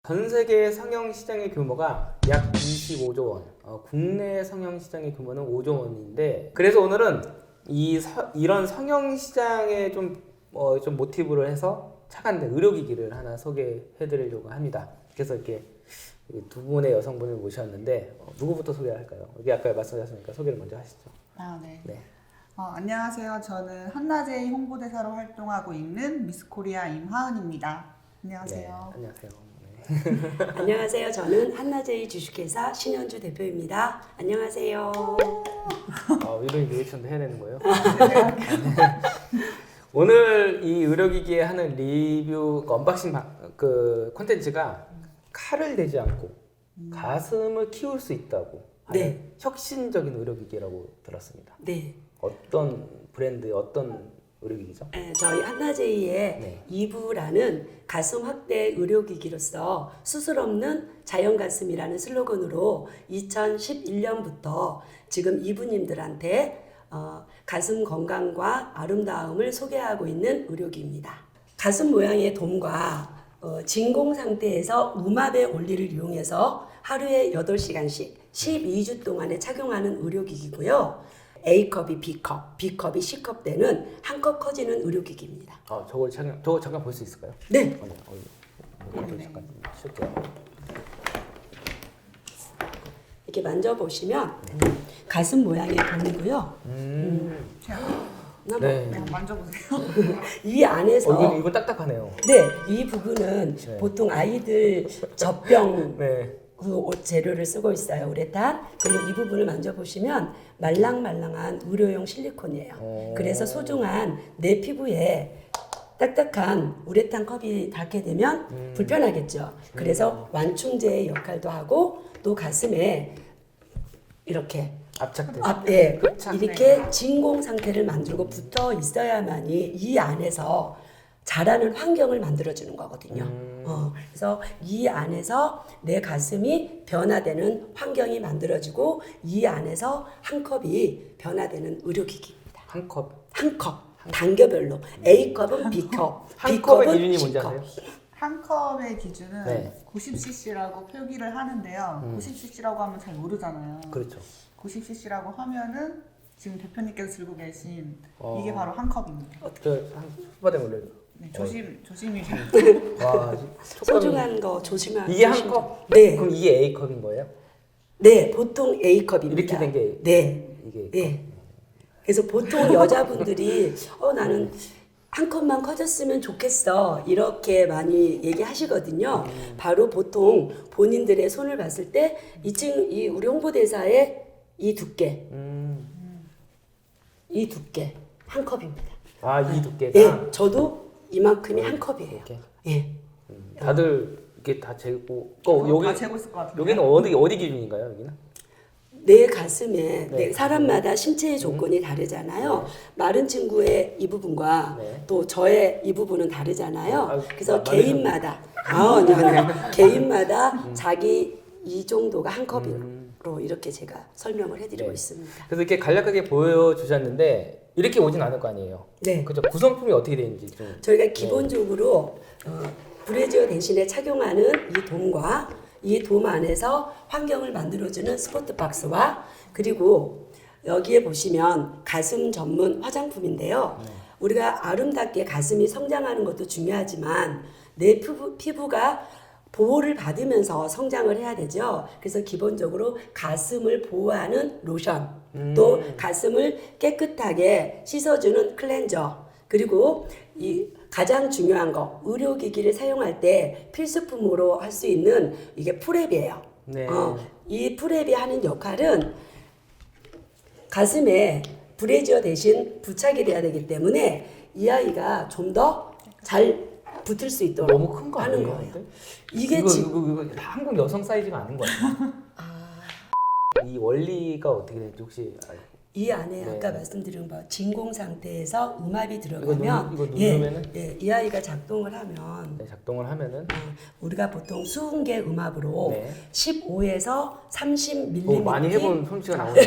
전 세계 성형 시장의 규모가 약 25조 원, 국내 성형 시장의 규모는 5조 원인데, 그래서 오늘은 이런 성형 시장에 좀 모티브를 해서 착안된 의료기기를 하나 소개해드리려고 합니다. 그래서 이렇게 두 분의 여성분을 모셨는데 누구부터 소개할까요? 여기 아까 말씀하셨으니까 소개를 먼저 하시죠. 네. 네. 안녕하세요. 저는 한나제이 홍보대사로 활동하고 있는 미스코리아 임하은입니다. 안녕하세요. 네, 안녕하세요. 안녕하세요. 저는 한나제이 주식회사 신현주 대표입니다. 안녕하세요. 이런 리액션도 해야 되는 거예요? 오늘 이 의료기기에 하는 리뷰 언박싱 콘텐츠가 칼을 대지 않고 가슴을 키울 수 있다고 하는 혁신적인 의료기기라고 들었습니다. 네. 어떤 브랜드, 어떤 의료기기죠? 저희 한나제이의 2부라는 가슴 확대 의료기기로서 수술 없는 자연 가슴이라는 슬로건으로 2011년부터 지금 이부님들한테 가슴 건강과 아름다움을 소개하고 있는 의료기입니다. 가슴 모양의 돔과 진공 상태에서 우마배 원리를 이용해서 하루에 8시간씩 12주 동안에 착용하는 의료기기고요. A컵이 B컵, B컵이 C컵 되는 한 컵 커지는 의료기기입니다. 저거 잠깐 볼 수 있을까요? 네. 잠깐 쉴게요. 이렇게 만져보시면 가슴 모양의 돔이고요. 네. 만져보세요. 이 안에서 이거 딱딱하네요. 네, 이 부분은 보통 아이들 젖병 네. 그 옷 재료를 쓰고 있어요. 우레탄. 그리고 이 부분을 만져보시면 말랑말랑한 의료용 실리콘이에요. 그래서 소중한 내 피부에 딱딱한 우레탄 컵이 닿게 되면 불편하겠죠. 그래서 완충제의 역할도 하고 또 가슴에 이렇게 압착된. 이렇게 진공 상태를 만들고 붙어 있어야만이 이 안에서 자라는 환경을 만들어주는 거거든요. 그래서 이 안에서 내 가슴이 변화되는 환경이 만들어지고 이 안에서 한 컵이 변화되는 의료기기입니다. 한 컵. 한 컵, 단계별로. A컵은 B컵, 한 컵의 B컵은 기준이 뭔지 C컵. 아세요? 한 컵의 기준은 네. 90cc라고 표기를 하는데요. 90cc라고 하면 잘 모르잖아요. 그렇죠. 90cc라고 하면은 지금 대표님께서 들고 계신 이게 바로 한 컵입니다. 손바닥 올려요. 네, 조심히. 와, 소중한 거 조심하세요. 이게 한 컵? 네. 그럼 이게 A컵인 거예요? 네, 보통 A컵입니다. 이렇게 된 게 네. 이게 네. 그래서 보통 여자분들이 나는 한 컵만 커졌으면 좋겠어 이렇게 많이 얘기하시거든요. 바로 보통 본인들의 손을 봤을 때 이 우리 홍보대사의 이 두께, 이 두께 한 컵입니다. 이 두께가. 네, 저도 이만큼이 한 컵이에요. 이렇게. 예. 다들 이렇게 다 재고. 다 재고 있을 것 같은데. 여기는 어디 기준인가요? 여기는? 내 가슴에 사람마다 신체의 조건이 다르잖아요. 마른 친구의 이 부분과 또 저의 이 부분은 다르잖아요. 그래서 개인마다 개인마다 자기 이 정도가 한 컵으로 이렇게 제가 설명을 해드리고 있습니다. 그래서 이렇게 간략하게 보여주셨는데 이렇게 오진 않을 거 아니에요. 네. 그죠? 구성품이 어떻게 되는지 좀. 저희가 기본적으로 브래지어 대신에 착용하는 이 돔과 이 돔 안에서 환경을 만들어주는 스포트 박스와 그리고 여기에 보시면 가슴 전문 화장품인데요. 우리가 아름답게 가슴이 성장하는 것도 중요하지만 내 피부가 보호를 받으면서 성장을 해야 되죠. 그래서 기본적으로 가슴을 보호하는 로션, 또 가슴을 깨끗하게 씻어주는 클렌저, 그리고 이 가장 중요한 거 의료기기를 사용할 때 필수품으로 할 수 있는 이게 프랩이에요. 네. 이 프랩이 하는 역할은 가슴에 브래지어 대신 부착이 돼야 되기 때문에 이 아이가 좀 더 잘 붙을 수 있도록 너무 큰 거 하는 아니에요? 거예요. 근데? 이게 이거 지금 한국 여성 사이즈가 아닌 거 같아요. 이 원리가 어떻게 되는지 혹시 이 안에 네. 아까 말씀드린 바 진공 상태에서 음압이 들어가면 이거 누르면은? 이 아이가 작동을 하면 작동을 하면은 우리가 보통 수은계 음압으로 15에서 30mm 많이 해본 솜씨가 나오네요.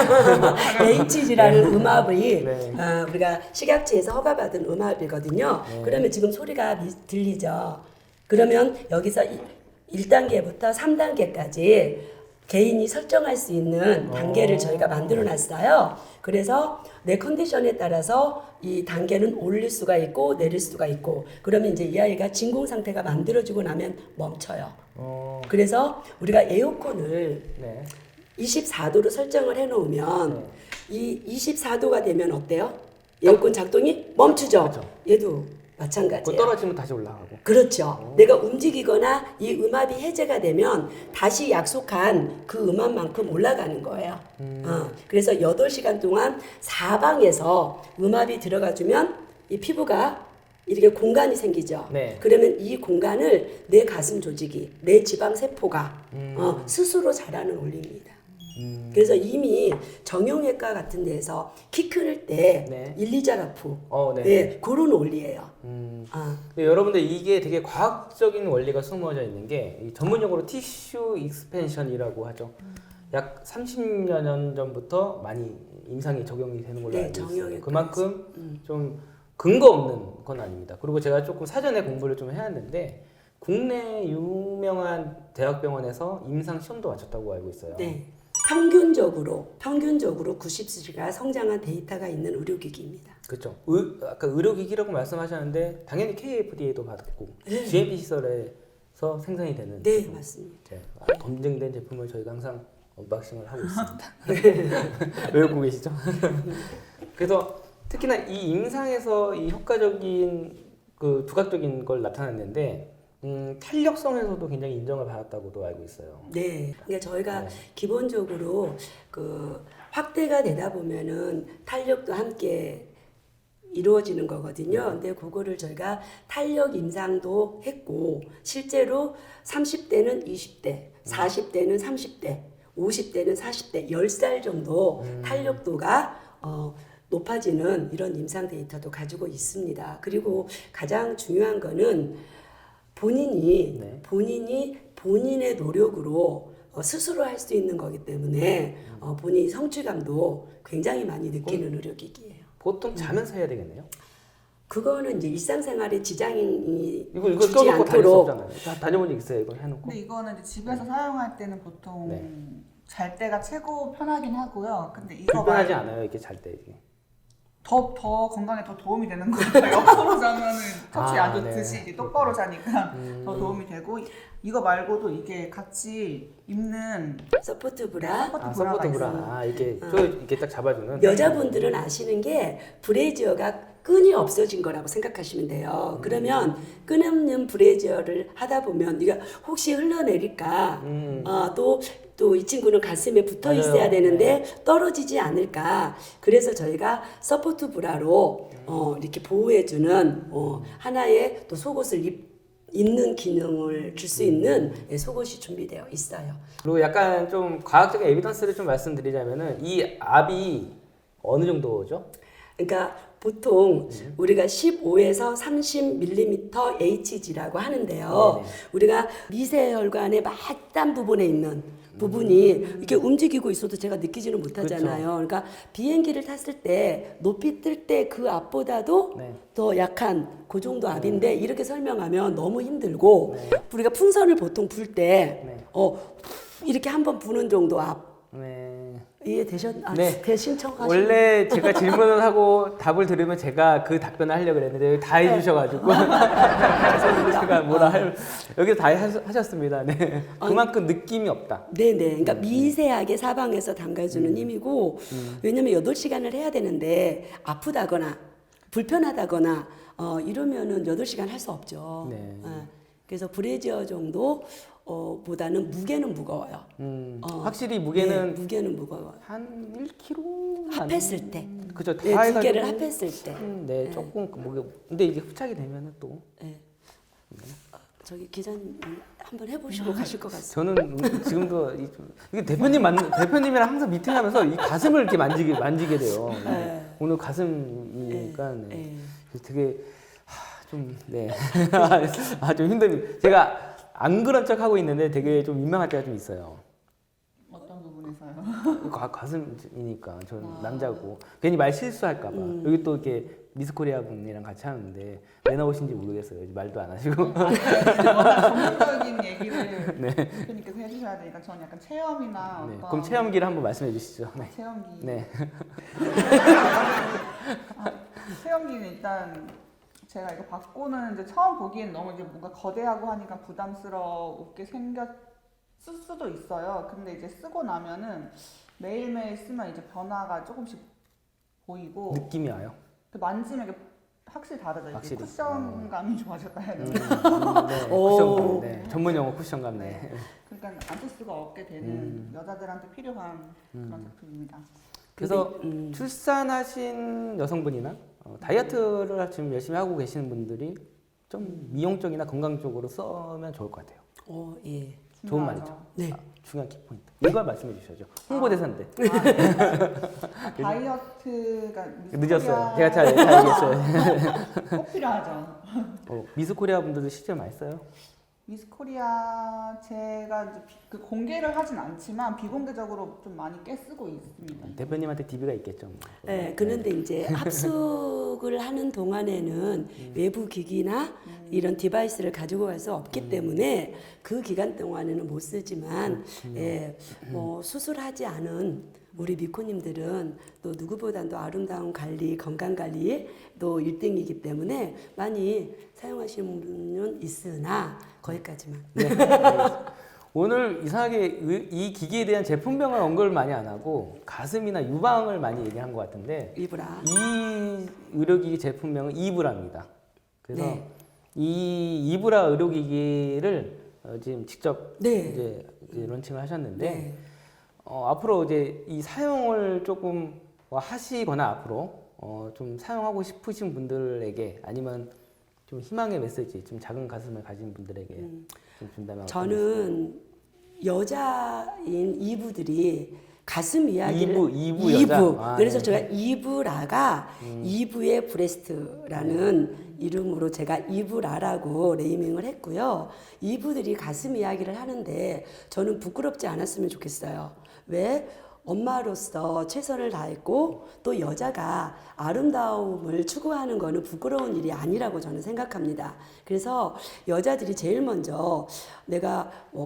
HG라는 음압이 네. 우리가 식약처에서 허가받은 음압이거든요. 그러면 지금 소리가 들리죠. 그러면 여기서 1단계부터 3단계까지 개인이 설정할 수 있는 단계를 저희가 만들어 놨어요. 그래서 내 컨디션에 따라서 이 단계는 올릴 수가 있고 내릴 수가 있고, 그러면 이제 이 아이가 진공 상태가 만들어지고 나면 멈춰요. 그래서 우리가 에어컨을 네. 24도로 설정을 해놓으면 네. 이 24도가 되면 어때요? 에어컨 작동이 멈추죠. 그렇죠. 얘도 그 마찬가지예요. 떨어지면 다시 올라가고. 그렇죠. 내가 움직이거나 이 음압이 해제가 되면 다시 약속한 그 음압만큼 올라가는 거예요. 그래서 8시간 동안 사방에서 음압이 들어가주면 이 피부가 이렇게 공간이 생기죠. 네. 그러면 이 공간을 내 가슴 조직이, 내 지방 세포가 스스로 자라는 원리입니다. 그래서 이미 정형외과 같은 데서 키 클 때 네. 일리자라프 네. 네, 그런 원리예요. 근데 여러분들 이게 되게 과학적인 원리가 숨어져 있는 게 이 전문용어로 티슈 익스펜션이라고 하죠. 약 30여 년 전부터 많이 임상이 적용이 되는 걸로 네, 알고 있어요. 정형외과에서. 그만큼 좀 근거 없는 건 아닙니다. 그리고 제가 조금 사전에 공부를 좀 해왔는데 국내 유명한 대학병원에서 임상 시험도 마쳤다고 알고 있어요. 네. 평균적으로 90수가 성장한 데이터가 있는 의료기기입니다. 그렇죠. 아까 의료기기라고 말씀하셨는데 당연히 KFDA도 받았고 네. GMP 시설에서 생산이 되는 네, 제품. 맞습니다. 검증된 제품을 저희가 항상 언박싱을 하고 있습니다. 외우고 계시죠? 그래서 특히나 이 임상에서 이 효과적인 그 두각적인 걸 나타냈는데 탄력성에서도 굉장히 인정을 받았다고도 알고 있어요. 네. 그러니까 저희가 네. 기본적으로 그 확대가 되다 보면은 탄력도 함께 이루어지는 거거든요. 근데 그거를 저희가 탄력 임상도 했고 실제로 30대는 20대, 40대는 30대, 50대는 40대, 10살 정도 탄력도가 높아지는 이런 임상 데이터도 가지고 있습니다. 그리고 가장 중요한 거는 본인이 본인의 노력으로 스스로 할 수 있는 거기 때문에 본인이 성취감도 굉장히 많이 느끼는 의료기기예요. 보통 자면서 해야 되겠네요. 그거는 이제 일상생활에 지장이 이거 주지 껴놓고 다닐 수 않도록 없잖아요. 다녀본 적 있어요, 이거 해놓고. 근데 이거는 이제 집에서 사용할 때는 보통 네. 잘 때가 최고 편하긴 하고요. 근데 이거 불편하지 않아요, 이렇게 잘 때. 이게. 더 건강에 더 도움이 되는 것 같아요. 옆으로 자면은 척추에 아, 안 좋듯이 네. 이제 똑바로 자니까 더 도움이 되고, 이거 말고도 이게 같이 입는 서포트 브라. 서포트 브라. 이렇게 이렇게 딱 잡아주는. 여자분들은 아시는 게 브래지어가 끈이 없어진 거라고 생각하시면 돼요. 그러면 끈 없는 브래지어를 하다 보면 네가 혹시 흘러내릴까? 또 이 친구는 가슴에 붙어 맞아요. 있어야 되는데 떨어지지 않을까? 그래서 저희가 서포트 브라로 이렇게 보호해주는 하나의 또 속옷을 입는 기능을 줄 수 있는 속옷이 준비되어 있어요. 그리고 약간 좀 과학적인 에비던스를 좀 말씀드리자면은 이 압이 어느 정도죠? 그러니까 보통 우리가 15에서 30mm Hg라고 하는데요. 네네. 우리가 미세혈관의末端 부분에 있는 부분이 이렇게 움직이고 있어도 제가 느끼지는 못하잖아요. 그러니까 비행기를 탔을 때 높이 뜰 때 그 압보다도 네. 더 약한 그 정도 압인데 이렇게 설명하면 너무 힘들고 우리가 풍선을 보통 불 때 이렇게 한번 부는 정도 압 네. 네. 대신청하신 원래 제가 질문을 하고 답을 들으면 제가 그 답변을 하려고 그랬는데 다 해주셔가지고 제가 여기서 다 하셨습니다. 네. 그만큼 느낌이 없다. 네네. 그러니까 미세하게 사방에서 담가주는 힘이고, 왜냐면 8시간을 해야 되는데, 아프다거나, 불편하다거나, 이러면은 8시간 할 수 없죠. 네. 그래서 브래지어 정도, 보다는 무게는 무거워요. 확실히 무게는 네, 무게는 무거워요. 한 1kg 합했을 때. 그죠. 다 네, 두 해가지고 개를 합했을 때. 네, 조금 무게. 근데 이게 흡착이 되면은 또 네. 저기 기자님 한번 해보시고 가실 것 같습니다. 저는 지금도 이게 대표님이랑 항상 미팅하면서 이 가슴을 이렇게 만지게 돼요. 네. 오늘 가슴이니까 네. 되게 좀 네. 좀 힘듭니다. 제가 안 그런 척 하고 있는데 되게 좀 민망할 때가 좀 있어요. 어떤 부분에서요? 맞아요. 가슴이니까 저는 남자고 괜히 말 실수할까봐 여기 또 이렇게 미스코리아 분이랑 같이 하는데 왜 나오신지 모르겠어요. 말도 안 하시고. 워낙 전문적인 얘기를 네. 대표님께서 해주셔야 되니까 저는 약간 체험이나 네. 어떤 그럼 체험기를 한번 말씀해 주시죠. 네. 체험기. 네. 체험기는 일단 제가 이거 받고는 이제 처음 보기엔 너무 이제 뭔가 거대하고 하니까 부담스럽게 생겼을 수도 있어요. 근데 이제 쓰고 나면은 매일매일 쓰면 이제 변화가 조금씩 보이고 느낌이 와요. 만지면 이게 확실히 다르죠. 이게 확실히. 쿠션감이 좋아졌다 해야 되나? 네. 쿠션감. 네. 전문 용어 쿠션감. 네. 그러니까 안 쓸 수가 없게 되는 여자들한테 필요한 그런 제품입니다. 그래서 출산하신 여성분이나 다이어트를 지금 열심히 하고 계시는 분들이 좀 미용 쪽이나 건강 쪽으로 쓰면 좋을 것 같아요. 예. 좋은 중요하죠. 말이죠. 네. 중요한 키포인트. 이걸 말씀해 주셔야죠. 홍보대사인데. 다이어트가 늦었어요. 제가 잘 알겠어요. 꼭 필요하죠. 미스코리아 분들도 실제로 많이 써요. 미스코리아 제가 이제 그 공개를 하진 않지만 비공개적으로 좀 많이 쓰고 있습니다. 대표님한테 DB가 있겠죠. 뭐. 네, 그런데 이제 합숙을 하는 동안에는 외부 기기나 이런 디바이스를 가지고 갈 수 없기 때문에 그 기간 동안에는 못 쓰지만 예, 뭐 수술하지 않은 우리 미코님들은 또 누구보다도 아름다운 관리, 건강 관리에 또 1등이기 때문에 많이 사용하시는 분은 있으나 거기까지만. 네. 알겠습니다. 오늘 이상하게 이 기기에 대한 제품명을 언급을 많이 안 하고 가슴이나 유방을 많이 얘기한 것 같은데 이브라. 이 의료기기 제품명은 이브라입니다. 그래서 네. 이 이브라 의료기기를 지금 직접 네. 이제 론칭을 하셨는데 네. 앞으로 이제 이 사용을 조금 하시거나 앞으로 좀 사용하고 싶으신 분들에게 아니면 좀 희망의 메시지, 좀 작은 가슴을 가진 분들에게 좀 준다면 저는 여자인 이브들이 가슴 이야기를 이브 여자? 아, 그래서 네. 제가 이브라가 이브의 브레스트라는 이름으로 제가 이브라라고 네이밍을 했고요. 이브들이 가슴 이야기를 하는데 저는 부끄럽지 않았으면 좋겠어요. 왜? 엄마로서 최선을 다했고 또 여자가 아름다움을 추구하는 거는 부끄러운 일이 아니라고 저는 생각합니다. 그래서 여자들이 제일 먼저 내가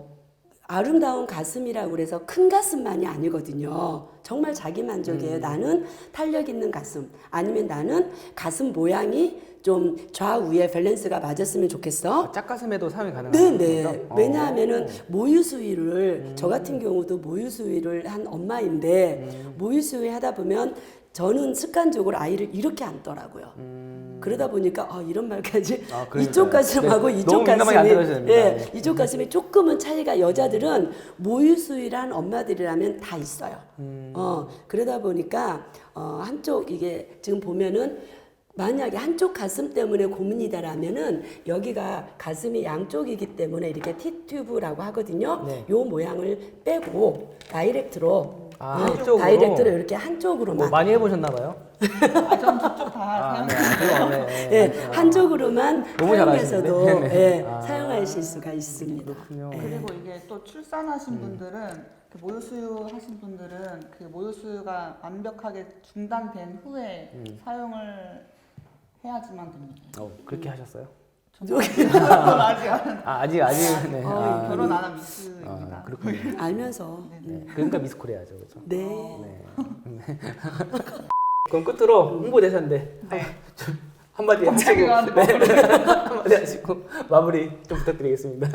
아름다운 가슴이라고 그래서 큰 가슴만이 아니거든요. 정말 자기 만족이에요. 나는 탄력 있는 가슴 아니면 나는 가슴 모양이 좀 좌우에 밸런스가 맞았으면 좋겠어. 짝가슴에도 사용이 가능한 네네. 거죠? 왜냐하면은 모유 수유를 저 같은 경우도 모유 수유를 한 엄마인데 모유 수유 하다 보면 저는 습관적으로 아이를 이렇게 안더라고요. 그러다 보니까 이런 말까지 그러니까요. 이쪽 가슴하고 네, 이쪽 너무 민감하게 안 가슴이 들어야 됩니다. 네. 이쪽 가슴이 조금은 차이가 여자들은 모유 수유를 한 엄마들이라면 다 있어요. 그러다 보니까 한쪽 이게 지금 보면은 만약에 한쪽 가슴 때문에 고민이다라면은 여기가 가슴이 양쪽이기 때문에 이렇게 T튜브라고 하거든요. 네. 요 모양을 빼고 다이렉트로 한쪽으로? 다이렉트로 이렇게 한쪽으로만 많이 해보셨나 봐요? 전 저쪽 다 사용. 예, 한쪽으로만 너무 사용해서도 잘하시는데? 예, 아. 사용하실 수가 있습니다. 그렇군요. 그리고 이게 또 출산하신 분들은 그 모유 수유 하신 분들은 그 모유 수유가 완벽하게 중단된 후에 사용을 해야지만 됩니다. 그렇게 하셨어요? 저는 아직 안 아직 네. 결혼 안 한 미스입니다. 그렇군요. 알면서 네. 그러니까 미스코리아죠, 그렇죠? 네. 네. 그럼 끝으로 홍보대사인데 한마디 하시고 한마디 하시고 마무리 좀 부탁드리겠습니다.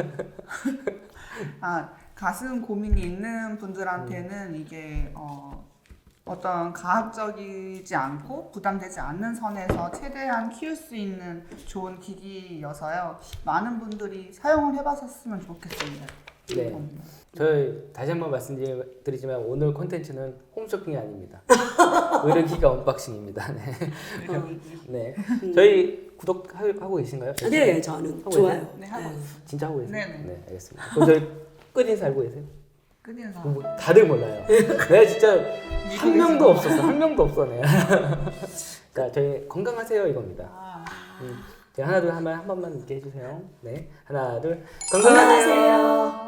가슴 고민이 있는 분들한테는 이게 어떤 가학적이지 않고 부담되지 않는 선에서 최대한 키울 수 있는 좋은 기기여서요. 많은 분들이 사용을 해봤으면 좋겠습니다. 네. 저희 다시 한번 말씀드리지만 오늘 콘텐츠는 홈쇼핑이 아닙니다. 의료기가 언박싱입니다. 네. 네. 저희 구독하고 계신가요? 네, 저는 하고 좋아요. 계세요? 네, 하고 진짜 하고 계세요? 네네. 네, 알겠습니다. 그럼 저희 끝인사 알고 계세요? 끝인사. 뭐 다들 몰라요. 내가 진짜 한 명도 없었어. 한 명도 없어 내가. 자, 저희 건강하세요 이겁니다. 제가 하나 둘 하면 한 번만 이렇게 해주세요. 네, 하나 둘 건강하세요.